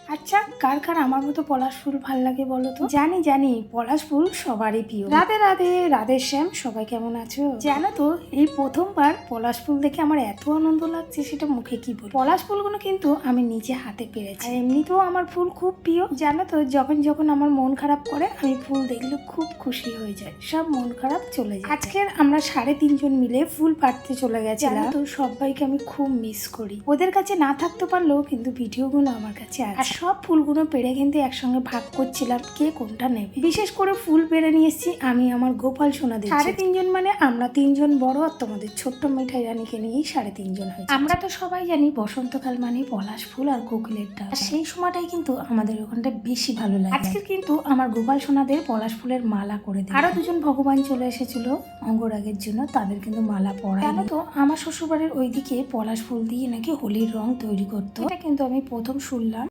আচ্ছা, কার কার আমার মতো পলাশ ফুল ভাল লাগে বলো তো? জানি জানি পলাশ ফুল সবারই প্রিয়। রাধে রাধে, রাধে শ্যাম, সবাই কেমন আছো? জানো তো, এই প্রথমবার পলাশ ফুল দেখে আমার এত আনন্দ লাগছে সেটা মুখে কি বলি। পলাশ ফুলগুলো কিন্তু আমি নিজে হাতে পেরেছি, আর এমনিতেও আমার ফুল খুব প্রিয়। জানো তো, যখন যখন আমার মন খারাপ করে আমি ফুল দেখলে খুব খুশি হয়ে যায়, সব মন খারাপ চলে যায়। আজকের আমরা 3.5 জন মিলে ফুল পাড়তে চলে গেছিলাম। তো সবাইকে আমি খুব মিস করি। ওদের কাছে না থাকতে পারলেও কিন্তু ভিডিওগুলো আমার কাছে আছে। আর সব ফুলগুলো পেড়ে কিন্তু একসঙ্গে ভাগ করছিলাম কে কোনটা নেবে। বিশেষ করে ফুল পেড়ে নিয়ে এসেছি আমি আমার গোপাল সোনা দিয়ে। 3.5 জন মানে আমরা 3 জন বড়, আর তোমাদের ছোট্ট মিঠাই রানীকে নিয়েই 3.5 জন হয়েছে। আমরা তো সবাই জানি বসন্তকাল মানে পলাশ ফুল আর কোকিলের ডাক, আর সেই সময়টাই কিন্তু আমাদের ওখানটা বেশি ভালো লাগে। আজকে কিন্তু আমার গোপাল সোনাদের পলাশ ফুলের মালা করে দিই। আরো 2 জন ভগবান চলে এসেছিল অঙ্গরাগের জন্য, তাদের কিন্তু মালা পরা। জানো তো, আমার শ্বশুরবাড়ির ওইদিকে পলাশ ফুল দিয়ে নাকি হোলির রং তৈরি করতো, এটা কিন্তু আমি প্রথম শুনলাম।